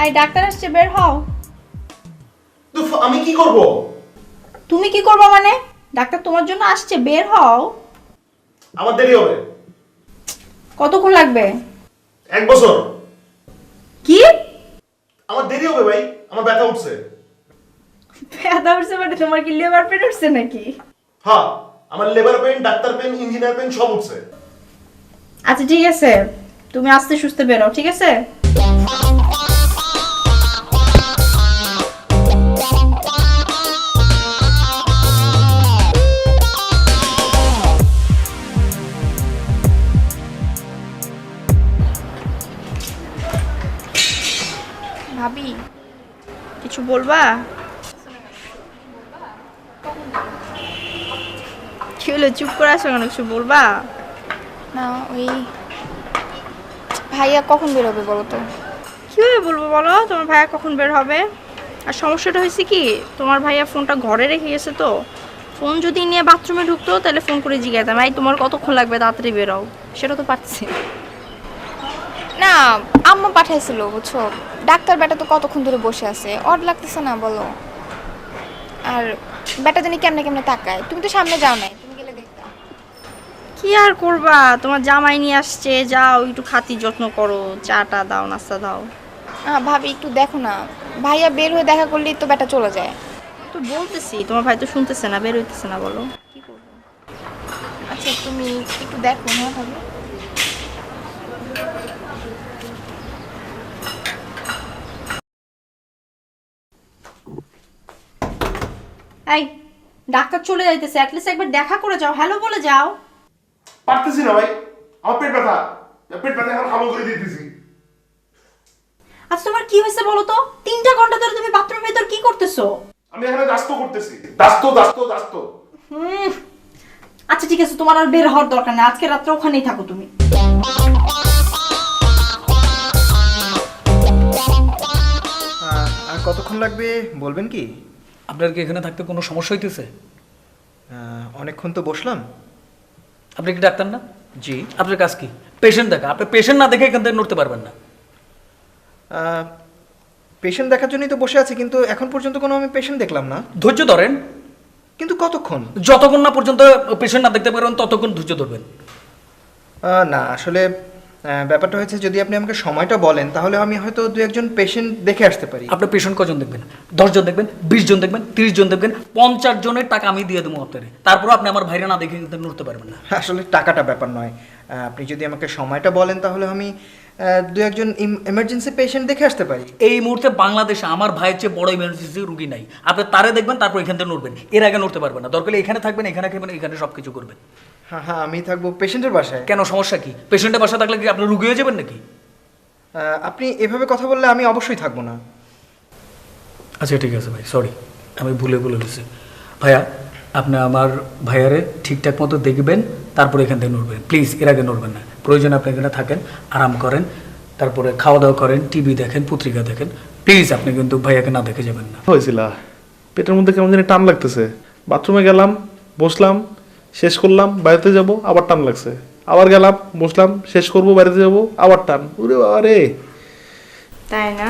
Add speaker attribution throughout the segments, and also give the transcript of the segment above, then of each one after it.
Speaker 1: এই ডাক্তার আসছে, বের হও।
Speaker 2: আমি কি করব?
Speaker 1: তুমি কি করবা মানে? ডাক্তার তোমার জন্য আসছে, বের হও।
Speaker 2: আমার দেরি হবে।
Speaker 1: কতক্ষণ লাগবে?
Speaker 2: 1 বছর।
Speaker 1: কি?
Speaker 2: আমার দেরি হবে ভাই, আমার ব্যথা উঠছে।
Speaker 1: ব্যথা উঠছে মানে তোমার কি লিভার পেন উঠছে নাকি?
Speaker 2: হ্যাঁ, আমার labour pain, doctor pain, engineer pain সব উঠছে।
Speaker 1: আচ্ছা ঠিক আছে, তুমি আস্তে সুস্তে বেরো, ঠিক আছে? ভাবি, কিছু বলবা? কি হলো, চুপ করে আসো কেন? কিছু বলবা?
Speaker 3: না ওই ভাইয়া কখন বেরোবে বলো তো?
Speaker 1: কিভাবে বলবো বলো, তোমার ভাইয়া কখন বের হবে? আর সমস্যাটা হয়েছে কি, তোমার ভাইয়া ফোনটা ঘরে রেখে গেছে, তো ফোন যদি নিয়ে বাথরুমে ঢুকতো তাহলে ফোন করে জিজ্ঞাসাম, এই তোমার কতক্ষণ লাগবে, তাড়াতাড়ি বেরোও। সেটা তো পারছি না।
Speaker 3: না, আম্মা পাঠাইছিল বুঝছো, ডাক্তার বেটা তো কতক্ষণ ধরে বসে আছে, অড লাগতেছে না বলো? আর বেটা জানি কেমনে কেমনে তাকায়, তুমি তো সামনে যাও নাই, তুমি গেলে দেখতা।
Speaker 1: কি আর করবা, তোমার জামাই নিয়ে আসছে, যাও একটু খাতি যত্ন করো, চাটা দাও, নাস্তা দাও।
Speaker 3: ভাবি একটু দেখো না, ভাইয়া বের হয়ে দেখা করলেই তো বেটা চলে যায়।
Speaker 1: তো বলতেছি, তোমার ভাই তো শুনতেছে না, বের হইতেছে না, বলো কি করবো?
Speaker 3: আচ্ছা তুমি একটু দেখো না ভাবি।
Speaker 1: এই, ডাক্তার চলে যাইতেছে, অ্যাটলিস্ট একবার দেখা করে যাও, হ্যালো বলে যাও।
Speaker 2: পারতেছি না ভাই, আমার পেট ব্যথা। পেট ব্যথা এখন আমল করে দিতেছি।
Speaker 1: আচ্ছা তোমার কি হয়েছে বলো তো? 3টা ঘন্টা ধরে তুমি বাথরুমের ভিতর কি করতেছো?
Speaker 2: আমি এখানে দাস্ত করতেছি, দাস্ত।
Speaker 1: আচ্ছা ঠিক আছে, তোমার আর বের হওয়ার দরকার নেই, আজকে রাত্রে ওখানেই থাকো তুমি।
Speaker 4: আর কতক্ষণ লাগবে বলবেন কি?
Speaker 5: আপনার কি এখানে থাকতে কোনো সমস্যা হইতেছে?
Speaker 4: অনেকক্ষণ তো বসলাম।
Speaker 5: আপনি কি ডাক্তার না?
Speaker 4: জি।
Speaker 5: আপনার কাজ কি? পেশেন্ট দেখা। আপনি পেশেন্ট না দেখে এখান থেকে নড়তে পারবেন না।
Speaker 4: পেশেন্ট দেখার জন্যই তো বসে আছি, কিন্তু এখন পর্যন্ত কোনো আমি পেশেন্ট দেখলাম না।
Speaker 5: ধৈর্য ধরেন।
Speaker 4: কিন্তু কতক্ষণ?
Speaker 5: যতক্ষণ না পর্যন্ত পেশেন্ট না দেখতে পারবেন ততক্ষণ ধৈর্য ধরবেন।
Speaker 4: না আসলে ব্যাপারটা হয়েছে, যদি আপনি আমাকে সময়টা বলেন তাহলে আমি হয়তো 2-1 পেশেন্ট দেখে আসতে পারি।
Speaker 5: আপনি পেশেন্ট কজন দেখবেন? 10 জন দেখবেন, 20 জন দেখবেন, 30 জন দেখবেন, 50 জনের টাকা আমি দিয়ে দেবো আপনারে। তারপর আপনি আমার ভাইরা না দেখে কিন্তু নড়তে পারবেন না।
Speaker 4: আসলে টাকাটা ব্যাপার নয়, আপনি যদি আমাকে সময়টা বলেন তাহলে আমি 2-1 এমার্জেন্সি পেশেন্ট দেখে আসতে পারি।
Speaker 5: এই মুহূর্তে বাংলাদেশে আমার ভাইয়ের চেয়ে বড় ইমার্জেন্সি রুগী নাই। আপনি তারে দেখবেন, তারপর এখান থেকে নড়বেন, এর আগে নড়তে পারবেন না। দরকার এখানে থাকবেন, এখানে খাবেন, এখানে সব কিছু করবেন।
Speaker 4: হ্যাঁ, আমি থাকবো পেশেন্টের বাসায়।
Speaker 5: কেন, সমস্যা কি? পেশেন্টের বাসা থাকলে কি আপনি রুগী হয়ে যাবেন নাকি?
Speaker 4: আপনি এভাবে কথা বললে আমি অবশ্যই থাকবো না।
Speaker 5: আচ্ছা ঠিক আছে ভাই, সরি, আমি ভুলে ফেলেছি। ভাইয়া, আপনি আমার ভাইয়ারে ঠিকঠাক মতো দেখবেন, তারপরে এখান থেকে নড়বেন প্লিজ, এর আগে নড়বেন না। প্রয়োজন আপনি এখানে থাকেন, আরাম করেন, তারপরে খাওয়া দাওয়া করেন, টিভি দেখেন, পত্রিকা দেখেন, প্লিজ। আপনি কিন্তু ভাইয়াকে না দেখে যাবেন না।
Speaker 2: হয়েছিল পেটের মধ্যে কেমন জানি টান লাগতেছে। বাথরুমে গেলাম, বসলাম, শেষ করলাম, বাড়িতে যাব, আবার টান লাগছে। আবার গেলাম, বসলাম, শেষ করব, বাড়িতে যাব, আবার টান। ওরে বাবা রে!
Speaker 1: তাই না?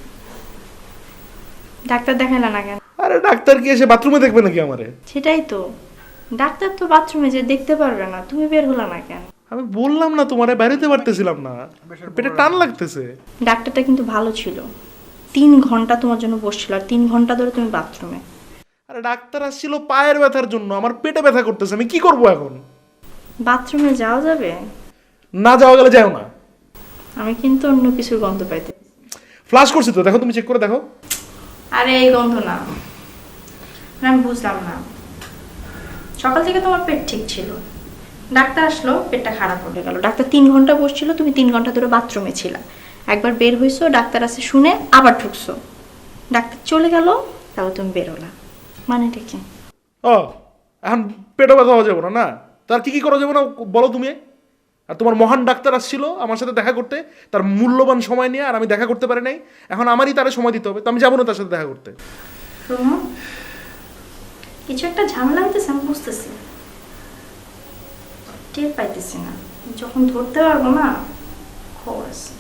Speaker 1: ডাক্তার দেখাইলা না কেন?
Speaker 2: আরে ডাক্তার কি এসে বাথরুমে দেখবে নাকি আমারে?
Speaker 1: সেটাই তো, ডাক্তার তো বাথরুমে যে দেখতে পারবে না, তুমি বের হলা না কেন?
Speaker 2: আমি বললাম না তোমারে, বাড়িতে পারতেছিলাম না, পেটে টান লাগতেছে।
Speaker 1: ডাক্তারটা কিন্তু ভালো ছিল, 3 ঘন্টা তোমার জন্য বসছিল, আর 3 ঘন্টা ধরে তুমি বাথরুমে।
Speaker 2: আরে ডাক্তার আসছিল পায়ের ব্যথার জন্য, আমার পেটে ব্যথা করতেছে, আমি কি করব এখন?
Speaker 1: বাথরুমে যাওয়া যাবে?
Speaker 2: না যাওয়া গেলে যাও না।
Speaker 1: আমি কিন্তু অন্য কিছুর গন্ধ পাইতে।
Speaker 2: ফ্লাশ করছি তো, দেখো, তুমি চেক করে দেখো।
Speaker 1: আরে এই গন্ধ না, আমি বুঝলাম না। সকাল থেকে তোমার পেট ঠিক ছিল, ডাক্তার আসলো, পেটটা খারাপ হয়ে গেল। ডাক্তার 3 ঘন্টা বসছিল, তুমি 3 ঘন্টা ধরে বাথরুমে ছিলা। একবার বের হইছো, ডাক্তার আছে শুনে আবার ঢুকছো, ডাক্তার চলে গেল, তাও তুমি বেরোলা, মানেটা কি?
Speaker 2: ও, এখন পেটে ব্যথা হওয়া যাবে না? না, তার কি কি করা যাবে না বলো তুমি? আর তোমার মহান ডাক্তার আসছিল আমার সাথে দেখা করতে, তার মূল্যবান সময় নিয়ে, আর আমি দেখা করতে পারি নাই। এখন আমারই তারে সময় দিতে হবে, তো আমি যাবো না তার সাথে দেখা করতে।
Speaker 1: শোনো, কিছু একটা ঝামেলা হইতেছে, আমি বুঝতেছি, টের পাইতেছি না। যখন ধরতে পারবো না, খবর আছে।